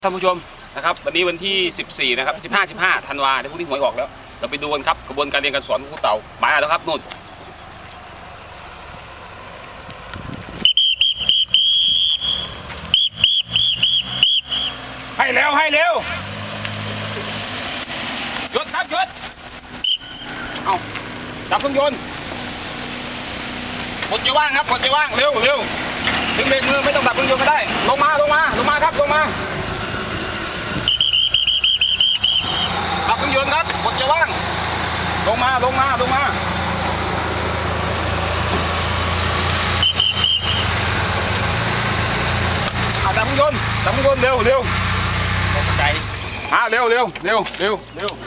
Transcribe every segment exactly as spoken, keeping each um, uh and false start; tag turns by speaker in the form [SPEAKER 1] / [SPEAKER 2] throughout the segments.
[SPEAKER 1] ท่านผู้ชมนะครับวันนี้วันที่สิบสี่นะครับสิบห้า สิบห้าธันวาเดี๋ยวพรุ่งนี้หวยออกแล้วเราไปดูกันครับกระบวนการเรียนการสอนของครูเต่ามาแล้วครับนู่นให้เร็วให้เร็วหยุดครับหยุดเอาดับเครื่องยนต์กดจะว่างครับกดจะว่างเร็วเร็วถึงเบรกมือไม่ต้องดับเครื่องยนต์ก็ได้ลงมาลงมาลงมาครับลงมาดับเครื่องยนต์ครับกดจะว่างลงมาลงมาลงมาดับเครื่องยนต์ดับเครื่องยนต์เร็วเร็วตกใจอ่าเร็วเร็วเร็วเร็วเร็ว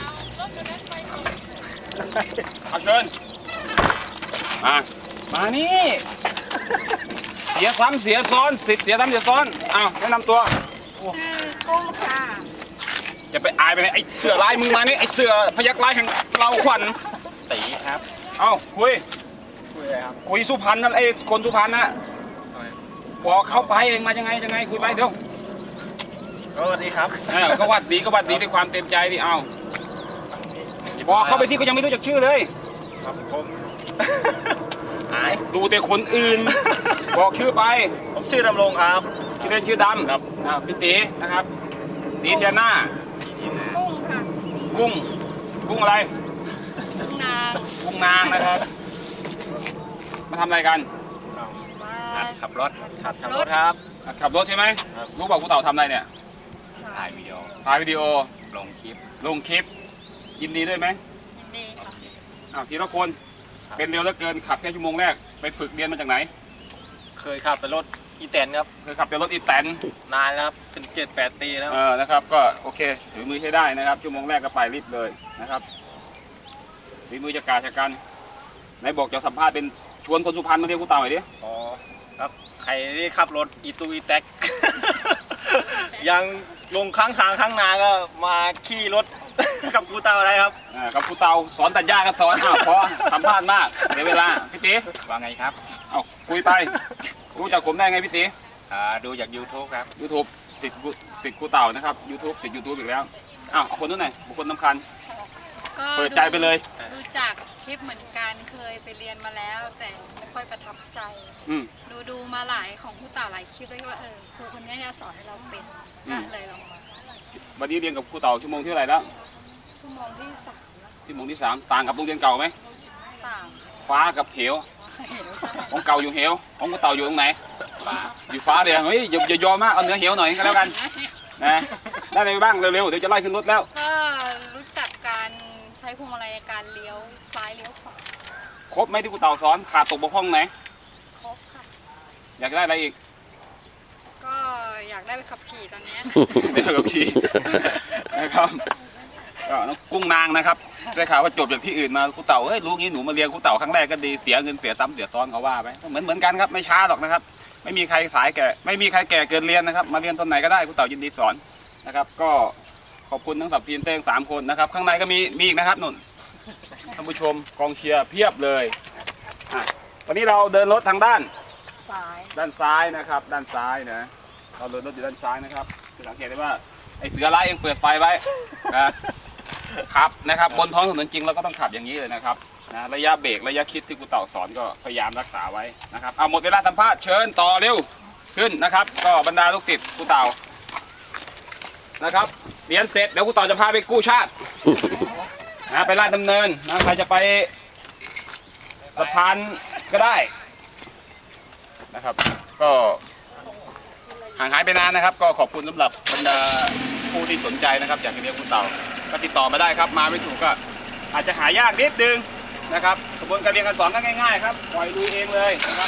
[SPEAKER 1] เอาเชิญมามานี่เสียซ้ำเสียซ้อนสิทธิ์เสียซ้ำเสียซ้อนอ้าวแนะนำตัว
[SPEAKER 2] ชื่อกุ้งค่ะ
[SPEAKER 1] จะไปอายไปไหนไอ้เสือลายมึงมานี่ไอ้เสือพยักลายแห่งเราขวัญตีครับเอ้าคุยคุยอะไรครับคุยสุพรรณนั่นไอ้คนสุพรรณนะพอเข้าไปเองมายังไงยังไงคุยไปเดี๋ยว
[SPEAKER 3] สวัสดีครับ
[SPEAKER 1] เออก็วัดดีก็วัดดีด้วยความเต็มใจดิเอ้าบอกเข้าไปที่ก็ยังไม่รู้จักชื่อเลย
[SPEAKER 3] ครับผม
[SPEAKER 1] หายดูแต่คนอื่นบอกชื่อไป
[SPEAKER 3] ผมชื่อดำรงครับ
[SPEAKER 1] ชื่อเล่นชื่อดำครับอ่าพี่ตีนะครับตีเทียน่า
[SPEAKER 2] กุ้งค่ะ
[SPEAKER 1] กุ้งกุ้งอะไร
[SPEAKER 2] กุ้งนาง
[SPEAKER 1] กุ้งนางนะครับมาทำอะไรกัน
[SPEAKER 2] มา
[SPEAKER 3] ขับรถขับขับรถครับ
[SPEAKER 1] ขับรถใช่ไหมรู้บอกกูเต่าทำอะไรเนี่ย
[SPEAKER 3] ถ่ายวิดีโอ
[SPEAKER 1] ถ่ายวิดีโอ
[SPEAKER 3] ลงคลิป
[SPEAKER 1] ลงคลิปยินดีด้วยไหม
[SPEAKER 2] ยินดีค่ะ
[SPEAKER 1] อ้าวทีละคนเป็นเร็วเหลือเกินขับแค่ชั่วโมงแรกไปฝึกเรียนมาจากไหน
[SPEAKER 3] เคยขับแต่รถอีแตนครับ
[SPEAKER 1] เคยขับแต่รถอีแตน
[SPEAKER 3] นานแล้วครับเป็นเจ็ดแปดปีแล้ว
[SPEAKER 1] เออนะครับก็โอเคถือมือใช้ได้นะครับชั่วโมงแรกก็ไปรีบเลยนะครับถือมือจะกาชกันไหนบอกจะสัมภาษณ์เป็นชวนคนสุพรรณมาเรียนกูเต่าหน่อยดิ
[SPEAKER 3] อ๋อครับใครที่ขับรถอีตูอีแท็กยังลงข้างทางข้างนาก็มาขี่รถกับกูเต่าอะไรครับ
[SPEAKER 1] อ่ากับกูเต่าสอนตัดหญ้าก็สอนอ้าวพอสัมภาษณ์มากเดี๋ยวเวลาพี่ตี
[SPEAKER 3] ว่าไงครับ
[SPEAKER 1] เอาคุยไปรู้จักผมได้ไงพี่ตี
[SPEAKER 3] อ่าดูจาก ยูทูบ ครับ
[SPEAKER 1] ยูทูบ สิทธิ์สิทธิ์กูเต่านะครับ ยูทูบ สิทธิ์ ยูทูบ อีกแล้วอ้าวเอาคนนู้นหน่อยบุคคลสำคัญเปิดใจไปเลย
[SPEAKER 2] ดูจากคลิปเหมือนกันเคยไปเรียนมาแล้วแต่ไม่ค่อยประทับใจดูดูมาหลายของผู้เต่าหลายคลิปเลยว่าเออครูคนนี้จะสอนให้เราเป็นก็เลยลองมา
[SPEAKER 1] วันนี้เรียนกับครูเต่าชั่วโมงที่เท่าไหร่แล้ว
[SPEAKER 2] ชั่วโมงที่สาม
[SPEAKER 1] ชั่วโมงที่สามต่างกับโรงเรียนเก่าไหม
[SPEAKER 2] ต่าง
[SPEAKER 1] ฟ้ากับเหวของเก่าอยู่เหวของครูเต่าอยู่ตรงไหนอยู่ฟ้าเดี๋ยวเฮ้ยอย่าอย่ายอมมากเอาเนื้อเหวหน่อยก็แล้วกันนะได้อะไรบ้างเร็วๆเดี๋ยวจะไล่ขึ้นรถแล้ว
[SPEAKER 2] ก็รู้จักการใช้พวงมาลัยการเลี้ยวซ้ายเลี้ยวขวา
[SPEAKER 1] ครบไหมที่ครูเต่าสอนขาดตกบกพร่องไหน
[SPEAKER 2] ครบค่ะ
[SPEAKER 1] อยากได้อะไรอีก
[SPEAKER 2] ก็อยากได้ไปขับขี่ตอนนี้
[SPEAKER 1] ได้ไปขับขี่นะครับก็น้องกุ้งนางนะครับได้ข่าวว่าจบจากที่อื่นมาครูเต่าเฮ้ยรู้งี้หนูมาเรียนครูเต่าครั้งแรกก็ดีเสียเงินเสียตั้มเสียซ้อนเขาว่าไปเหมือนเหมือนกันครับไม่ช้าหรอกนะครับไม่มีใครสายแก่ไม่มีใครแก่เกินเรียนนะครับมาเรียนตอนไหนก็ได้ครูเต่ายินดีสอนนะครับก็ขอบคุณทั้งสับทีมเต้งสามคนนะครับข้างในก็มีมีอีกนะครับนุ่นท่านผู้ชมกองเชียร์เพียบเลยวันนี้เราเดินรถทางด้าน
[SPEAKER 2] ซ้าย
[SPEAKER 1] ด้านซ้ายนะครับด้านซ้ายนะเราเดินรถอยู่ด้านซ้ายนะครับจะสังเกตได้ว่าไอ้เสือร้ายยังเปิดไฟไว้นะครับนะครับบนท้องถนนจริงเราก็ต้องขับอย่างนี้เลยนะครับนะระยะเบรกระยะคิดที่ครูเต่าสอนก็พยายามรักษาไว้นะครับเอาหมดเวลาสัมภาษณ์เชิญต่อเร็วขึ้นนะครับก็บรรดาลูกศิษย์ครูเต่านะครับเรียนเสร็จเดี๋ยวครูเต่าจะพาไปกู้ชาตินะไปลาดดำเนินนะใครจะไปสะพานก็ได้นะครับก็ห่างหายไปนานนะครับก็ขอบคุณสำหรับบรรดาผู้ที่สนใจนะครับอยากจะเรียนครูเต่าก็ติดต่อมาได้ครับมาไม่ถูกก็อาจจะหายากนิดนึงนะครับกระบวนการเรียนการสอนก็ง่ายๆครับปล่อยลุยเองเลยนะครับ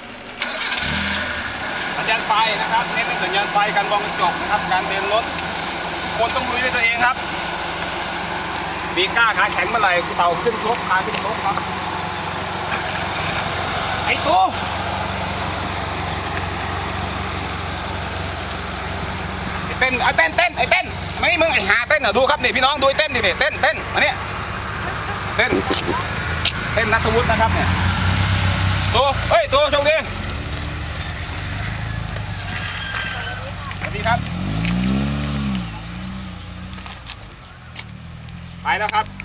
[SPEAKER 1] สัญญาณไฟนะครับเน้นเป็นสัญญาณไฟการมองกระจกนะครับการเดินรถคนต้องลุยด้วยตัวเองครับมีกล้าขาแข็งเมื่อไหร่ครูเต่าขึ้นรถพาขึ้นรถครับไอ้ตัวเต้นไอ้เต้นเต้นไอ้เต้นไม่มึงไอ้หาเต้นเหรอดูครับนี่พี่น้องดูไอ้เต้นดิเต้นเต้นมาเนี่ยเต้นเต้นนัทวุฒินะครับเนี่ยตัวเฮ้ยตัวโชคดีสวัสดีครับไปแล้วครับ